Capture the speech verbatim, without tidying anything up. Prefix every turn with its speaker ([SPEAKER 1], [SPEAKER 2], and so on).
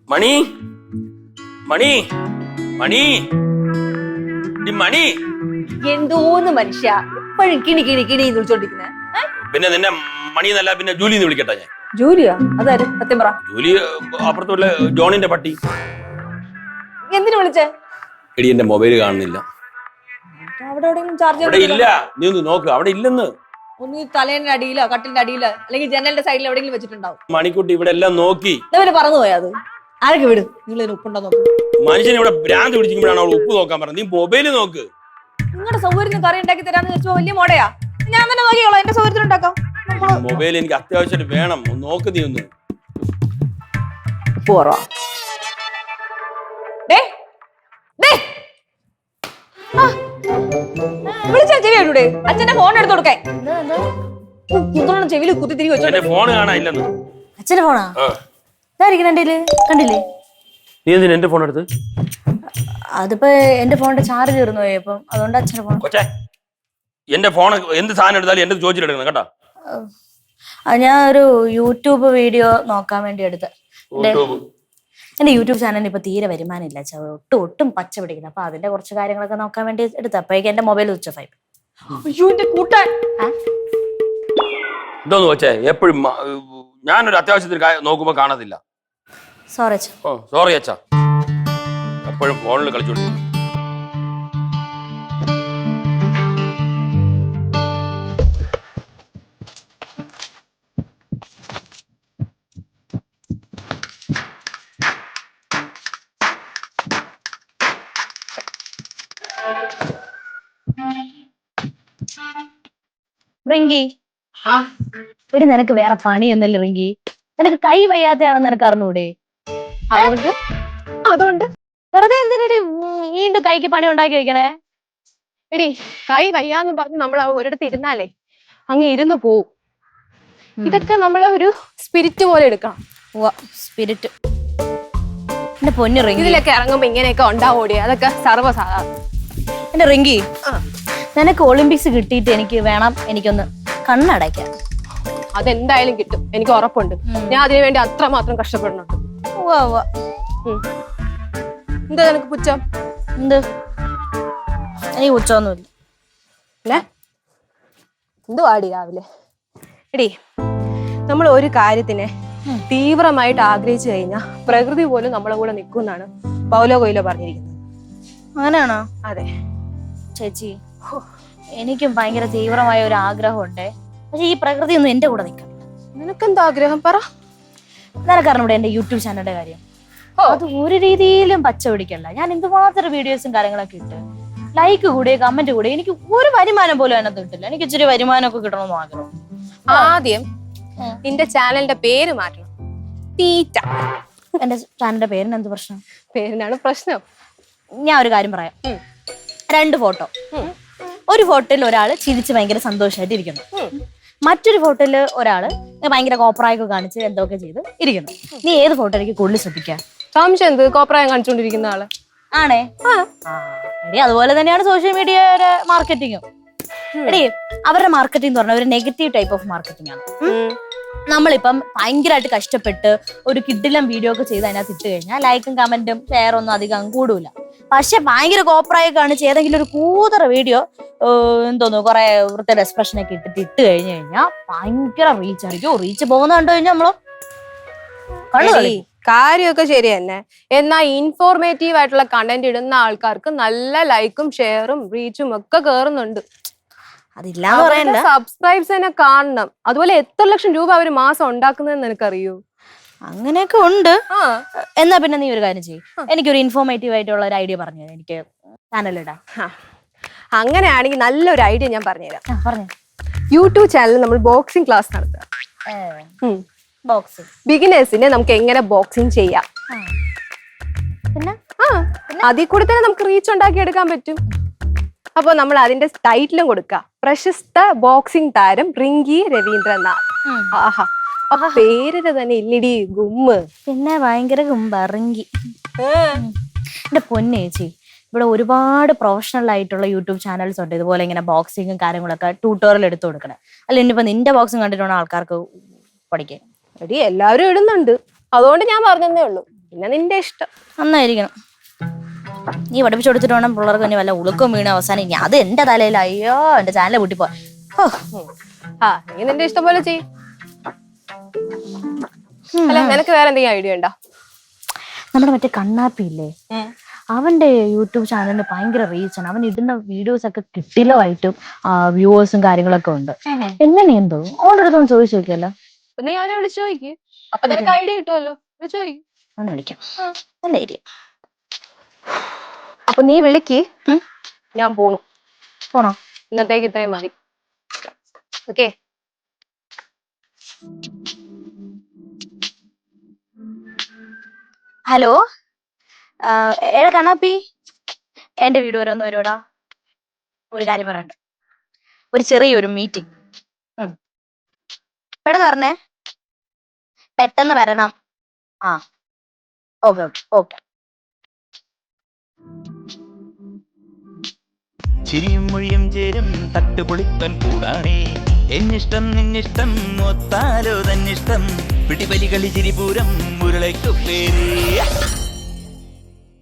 [SPEAKER 1] മണി മണി മണി മണി
[SPEAKER 2] എന്തോന്ന് മനുഷ്യ എപ്പോഴും കിണി കിണി കിണി വിളിച്ചോണ്ടിരിക്കുന്നേ.
[SPEAKER 1] പിന്നെ നിന്നെ മണി എന്നല്ല പിന്നെ ജൂലി എന്ന് വിളിക്കട്ടെ ഞാൻ.
[SPEAKER 2] ജൂലിയാ? അതാരും സത്യം പറ.
[SPEAKER 1] ജൂലി അപ്പുറത്തുള്ള ജോണിന്റെ പട്ടി.
[SPEAKER 2] എന്തിനു വിളിച്ചേ?
[SPEAKER 1] എടി എന്റെ മൊബൈൽ കാണുന്നില്ല.
[SPEAKER 2] അവിടെ എവിടെയെങ്കിലും ചാർജ്
[SPEAKER 1] അവിടെ ഇല്ല, നീ ഒന്ന് നോക്ക്. അവിടെ ഇല്ലെന്ന്.
[SPEAKER 2] ഒന്ന് തലേന്റെ അടിയിലോ കട്ടിലിന്റെ അടിയിലോ അല്ലെങ്കിൽ ജനലിന്റെ സൈഡിൽ എവിടെയെങ്കിലും വെച്ചിട്ടുണ്ടാവും.
[SPEAKER 1] മണിക്കുട്ടി ഇവിടെ എല്ലാം നോക്കി.
[SPEAKER 2] ഇതവര് പറഞ്ഞു പോയാ അത് ആരൊക്കെ വിടും. നിങ്ങൾ ഇതിന് ഉപ്പുണ്ടോ നോക്ക്.
[SPEAKER 1] മനുഷ്യനെ ഇവിടെ ഭ്രാന്ത് പിടിച്ചിരിക്കുമ്പോഴാണ് അവൾ ഉപ്പ് നോക്കാൻ പറഞ്ഞത്. നീ മൊബൈല് നോക്ക്.
[SPEAKER 2] നിങ്ങളുടെ സൗകര്യത്തിന് കറി ഉണ്ടാക്കി തരാന്ന് വെച്ചോ വലിയ മോടയാ. ഞാൻ തന്നെ നോക്കിയോളാം, എന്റെ സൗകര്യത്തിന് ഉണ്ടാക്കാം.
[SPEAKER 1] മൊബൈൽ എനിക്ക് അത്യാവശ്യമായിട്ട് വേണം. നോക്ക് നീ ഒന്ന്.
[SPEAKER 2] പോറോ വിളിച്ചാ ചെവി കേട്ടൂടെ? അച്ഛന്റെ ഫോൺ എടുത്ത് കൊടുക്കേ. ചെവിയിൽ കുത്തി തിരികെ വെച്ചോ.
[SPEAKER 1] ഫോൺ കാണാനില്ലെന്ന്.
[SPEAKER 2] അച്ഛന്റെ ഫോണാ ഇതായിരിക്കണേല് കണ്ടില്ലേ?
[SPEAKER 1] നീ എന്തിനാ എന്റെ ഫോൺ എടുത്ത്?
[SPEAKER 2] അതിപ്പോ എന്റെ ഫോണിന്റെ ചാർജ് തീർന്നു പോയി, അപ്പം അതുകൊണ്ട് അച്ഛന്റെ ഫോൺ.
[SPEAKER 1] കൊച്ചേ, എന്റെ ഫോൺ എന്ത് സാധനം എടുത്താലും എന്റെ ചോദിച്ചിട്ടെടുക്കണം കേട്ടോ.
[SPEAKER 2] ഞാൻ ഒരു യൂട്യൂബ് വീഡിയോ നോക്കാൻ വേണ്ടി എടുത്ത. എന്റെ യൂട്യൂബ് ചാനലിന് ഇപ്പൊ തീരെ വരുമാനമില്ല, ഒട്ടും ഒട്ടും പച്ച പിടിക്കുന്നത്. അപ്പൊ അതിന്റെ കുറച്ച് കാര്യങ്ങളൊക്കെ നോക്കാൻ വേണ്ടി എടുത്ത. അപ്പോഴേക്കും എന്റെ മൊബൈൽ സ്വിച്ച് ഓഫ് ആയി. അയ്യോ എന്റെ കൂട്ടാൻ
[SPEAKER 1] ഇതൊന്നും കൊച്ചേ, എപ്പോഴും ഞാനൊരു അത്യാവശ്യത്തിന് നോക്കുമ്പോ കാണത്തില്ല.
[SPEAKER 2] സോറി അച്ഛാ.
[SPEAKER 1] ഓ സോറി അച്ഛാ. എപ്പോഴും ഫോണിൽ കളിച്ചോണ്ടിരിക്കും.
[SPEAKER 2] റിങ്കി, ഒരു നിനക്ക് വേറെ പണിയൊന്നല്ലേ റിങ്കി? നിനക്ക് കൈ വയ്യാത്തയാണെന്ന് നിനക്ക് അറിഞ്ഞൂടെ? അതുകൊണ്ട് അതുകൊണ്ട് വെറുതെ എന്തിനടി വീണ്ടും കൈക്ക് പണി ഉണ്ടാക്കി വെക്കണേ?
[SPEAKER 3] എടി കൈ വയ്യാന്ന് പറഞ്ഞ് നമ്മൾ ഒരിടത്ത് ഇരുന്നാലേ അങ്ങ് ഇരുന്ന് പോവും. ഇതൊക്കെ നമ്മളെ ഒരു സ്പിരിറ്റ് പോലെ എടുക്കണം.
[SPEAKER 2] സ്പിരിറ്റ് എന്റെ പൊന്നു റിങ്കി,
[SPEAKER 3] ഇതിലൊക്കെ ഇറങ്ങുമ്പോ ഇങ്ങനെയൊക്കെ ഉണ്ടാവോടി, അതൊക്കെ സർവ്വസാധാരണ.
[SPEAKER 2] എന്റെ റിങ്കി, നിനക്ക് ഒളിമ്പിക്സ് കിട്ടിയിട്ട് എനിക്ക് വേണം എനിക്കൊന്ന് കണ്ണടയ്ക്കാൻ.
[SPEAKER 3] അതെന്തായാലും കിട്ടും, എനിക്ക് ഉറപ്പുണ്ട്. ഞാൻ അതിനു വേണ്ടി അത്രമാത്രം കഷ്ടപ്പെടുന്നുണ്ട്. എന്താ നിനക്ക് പുച്ഛം?
[SPEAKER 2] എന്ത്? എനിക്ക് പുച്ഛമൊന്നുമില്ല.
[SPEAKER 3] എന്തു ആടി രാവിലെ? എടി, നമ്മൾ ഒരു കാര്യത്തിനെ തീവ്രമായിട്ട് ആഗ്രഹിച്ചു കഴിഞ്ഞാൽ പ്രകൃതി പോലും നമ്മളെ കൂടെ നിൽക്കുമെന്നാണ് പൗലോ കൊയ്ലോ പറഞ്ഞിരിക്കുന്നത്.
[SPEAKER 2] അങ്ങനെയാണോ?
[SPEAKER 3] അതെ
[SPEAKER 2] ചേച്ചി, എനിക്കും ഭയങ്കര തീവ്രമായ ഒരു ആഗ്രഹമുണ്ട്. പക്ഷെ ഈ പ്രകൃതി ഒന്നും എന്റെ കൂടെ നിൽക്കണം.
[SPEAKER 3] നിനക്കെന്താ ആഗ്രഹം പറ.
[SPEAKER 2] നിനക്കറിഞ്ഞൂടെ എന്റെ യൂട്യൂബ് ചാനലിന്റെ കാര്യം? അത് ഒരു രീതിയിലും പച്ച പിടിക്കല്ല. ഞാൻ എന്തുമാത്രം വീഡിയോസും കാര്യങ്ങളൊക്കെ ഇട്ട് ലൈക്ക് കൂടെ കമന്റ് കൂടെ എനിക്ക് ഒരു വരുമാനം പോലും അതിനകത്ത് കിട്ടില്ല. എനിക്ക് ഇച്ചിരി വരുമാനമൊക്കെ കിട്ടണമെന്ന് ആഗ്രഹം.
[SPEAKER 3] ആദ്യം നിന്റെ ചാനലിന്റെ പേര് മാറ്റണം. തീറ്റ.
[SPEAKER 2] എന്റെ ചാനലിന്റെ പേരിന് എന്ത് പ്രശ്നം?
[SPEAKER 3] പേരിനാണ് പ്രശ്നം.
[SPEAKER 2] ഞാൻ ഒരു കാര്യം പറയാം. രണ്ട് ഫോട്ടോ. ഒരു ഫോട്ടോയിൽ ഒരാള് ചിരിച്ച് ഭയങ്കര സന്തോഷമായിട്ട് ഇരിക്കുന്നു. മറ്റൊരു ഫോട്ടോയില് ഒരാള് ഭയങ്കര കോപ്രായൊക്കെ കാണിച്ച് എന്തൊക്കെ ചെയ്ത് ഇരിക്കുന്നു. നീ ഏത് ഫോട്ടോ എനിക്ക് കൂടുതൽ ശ്രദ്ധിക്കാം?
[SPEAKER 3] സംശയം എന്ത്? കോപ്രായം കാണിച്ചുകൊണ്ടിരിക്കുന്ന ആള്
[SPEAKER 2] ആണേ. എടി, അതുപോലെ തന്നെയാണ് സോഷ്യൽ മീഡിയയുടെ മാർക്കറ്റിങ്ങും. എടി, അവരുടെ മാർക്കറ്റിംഗ് എന്ന് പറഞ്ഞാൽ ഒരു നെഗറ്റീവ് ടൈപ്പ് ഓഫ് മാർക്കറ്റിംഗ് ആണ്. നമ്മളിപ്പം ഭയങ്കരമായിട്ട് കഷ്ടപ്പെട്ട് ഒരു കിഡിലം വീഡിയോ ഒക്കെ ചെയ്ത് അതിനകത്ത് ഇട്ട് കഴിഞ്ഞാൽ ലൈക്കും കമന്റും ഷെയർ ഒന്നും അധികം കൂടൂല. പക്ഷെ ഭയങ്കര കോപ്രായ കാണിച്ച് ഏതെങ്കിലും ഒരു കൂതറ വീഡിയോ എന്തോന്നു കുറെ വൃത്തിയുടെ എക്സ്പ്രഷൻ ഒക്കെ ഇട്ടിട്ട് ഇട്ട് കഴിഞ്ഞു കഴിഞ്ഞാൽ ഭയങ്കര റീച്ച് ആയിരിക്കും. റീച്ച് പോകുന്ന കണ്ടു കഴിഞ്ഞാൽ നമ്മള്
[SPEAKER 3] കാര്യമൊക്കെ ശരി തന്നെ. എന്നാൽ ഇൻഫോർമേറ്റീവ് ആയിട്ടുള്ള കണ്ടന്റ് ഇടുന്ന ആൾക്കാർക്ക് നല്ല ലൈക്കും ഷെയറും റീച്ചും ഒക്കെ കേറുന്നുണ്ട്.
[SPEAKER 2] അതില്ലാന്ന് പറയണ്ട,
[SPEAKER 3] സബ്സ്ക്രൈബ്സിനെ കാണണം. അതുപോലെ എത്ര ലക്ഷം രൂപ അവര് മാസം ഉണ്ടാക്കുന്നതെന്ന് നിനക്കറിയൂ?
[SPEAKER 2] അങ്ങനെയൊക്കെ ഉണ്ട്. എന്നാ പിന്നെ നീ ഒരു കാര്യം ചെയ്യും, എനിക്കൊരു ഇൻഫോർമേറ്റീവ് ആയിട്ടുള്ള ഒരു ഐഡിയ പറഞ്ഞു തരാം. എനിക്ക് ചാനലിടാം.
[SPEAKER 3] അങ്ങനെയാണെങ്കിൽ നല്ലൊരു ഐഡിയ ഞാൻ പറഞ്ഞുതരാം.
[SPEAKER 2] പറഞ്ഞു.
[SPEAKER 3] യൂട്യൂബ് ചാനലിൽ നമ്മൾ ബോക്സിംഗ് ക്ലാസ് നടത്തുക.
[SPEAKER 2] ബോക്സിംഗ്
[SPEAKER 3] ബിഗിനേഴ്സിനെ നമുക്ക് എങ്ങനെ ബോക്സിംഗ് ചെയ്യാം.
[SPEAKER 2] പിന്നെ
[SPEAKER 3] ആ അതിൽ കൂടി തന്നെ നമുക്ക് റീച്ച് ഉണ്ടാക്കി എടുക്കാൻ പറ്റും. അപ്പൊ നമ്മൾ അതിന്റെ ടൈറ്റിലും കൊടുക്കുക, പ്രശസ്ത ബോക്സിംഗ് താരം റിങ്കി രവീന്ദ്രനാഥ്. ആഹാ, പേരിന് തന്നെ ഇല്ലടി ഗുമ്മ്.
[SPEAKER 2] പിന്നെ ഭയങ്കര ഗുമ്പ റിങ്കി. എന്റെ പൊന്നേച്ചി, ഇവിടെ ഒരുപാട് പ്രൊഫഷണൽ ആയിട്ടുള്ള യൂട്യൂബ് ചാനൽസ് ഉണ്ട് ഇതുപോലെ ഇങ്ങനെ ബോക്സിങ്ങും കാര്യങ്ങളൊക്കെ ട്യൂട്ടോറിയൽ എടുത്തു കൊടുക്കണേ. അല്ല ഇനിയിപ്പോ നിന്റെ ബോക്സിങ് കണ്ടിട്ടുള്ള ആൾക്കാർക്ക് പഠിക്കാൻ.
[SPEAKER 3] എടി എല്ലാവരും ഇടുന്നുണ്ട്, അതുകൊണ്ട് ഞാൻ പറഞ്ഞതേ ഉള്ളൂ. പിന്നെ നിന്റെ ഇഷ്ടം.
[SPEAKER 2] നന്നായിരിക്കണം. നീ പഠിപ്പിച്ചു കൊടുത്തിട്ട് വേണം പിള്ളേർക്ക് തന്നെ വല്ല ഉളുക്കും വീണ അവസാനം ഇനി അത് എന്റെ തലയിൽ. അയ്യോ എന്റെ ചാനൽ പൊട്ടിപ്പോ.
[SPEAKER 3] ആ നീ നിന്റെ ഇഷ്ടം പോലെ ചെയ്. അല്ല നിനക്ക് വേറെ എന്തെങ്കിലും ഐഡിയ ഉണ്ടോ?
[SPEAKER 2] നമ്മുടെ മറ്റേ കണ്ണാപ്പി ഇല്ലേ, അവന്റെ യൂട്യൂബ് ചാനലിന് ഭയങ്കര റീച്ചാണ്. അവൻ ഇടുന്ന വീഡിയോസ് ഒക്കെ കിട്ടിലമായിട്ടും വ്യൂവേഴ്സും കാര്യങ്ങളൊക്കെ ഉണ്ട്. എങ്ങനെയെന്തോ ഓൻ്റെ അടുത്തൊന്ന് ചോദിച്ചു നോക്കിയല്ലോ.
[SPEAKER 3] നീ അവനെ വിളിച്ചു നോക്കി, അപ്പൊ നിനക്ക് ഐഡിയ കിട്ടുമല്ലോ. വിളിച്ചു നോക്കി.
[SPEAKER 2] ഒന്ന് വിളിക്കാം. നല്ല ഐഡിയ.
[SPEAKER 3] അപ്പൊ നീ വിളിക്ക്, ഞാൻ പോണു.
[SPEAKER 2] പോണോ?
[SPEAKER 3] ഇന്നത്തേക്ക് ഇത്രയും മതി. ഓക്കെ.
[SPEAKER 2] ഹലോ, ഏടാ കണ്ണാപ്പി, എന്റെ വീട് വരെ ഒന്ന് വരുവാടാ. ഒരു കാര്യം പറയണ്ട, ഒരു ചെറിയൊരു മീറ്റിംഗ്. പെട്ടെന്ന് പറഞ്ഞേ, പെട്ടെന്ന് വരണം. ആ ഓക്കെ ഓക്കെ ഓക്കെ.
[SPEAKER 4] ചിരിയും മൊഴിയും ചേരും തട്ടുപൊളിപ്പൻ കൂടാണേ. എന്നിഷ്ടം നിന്നിഷ്ടം ഒത്താലോ തന്നിഷ്ടം പിടിപലി കളി ചിരിപൂരം മുരളയ്ക്കു പേര്.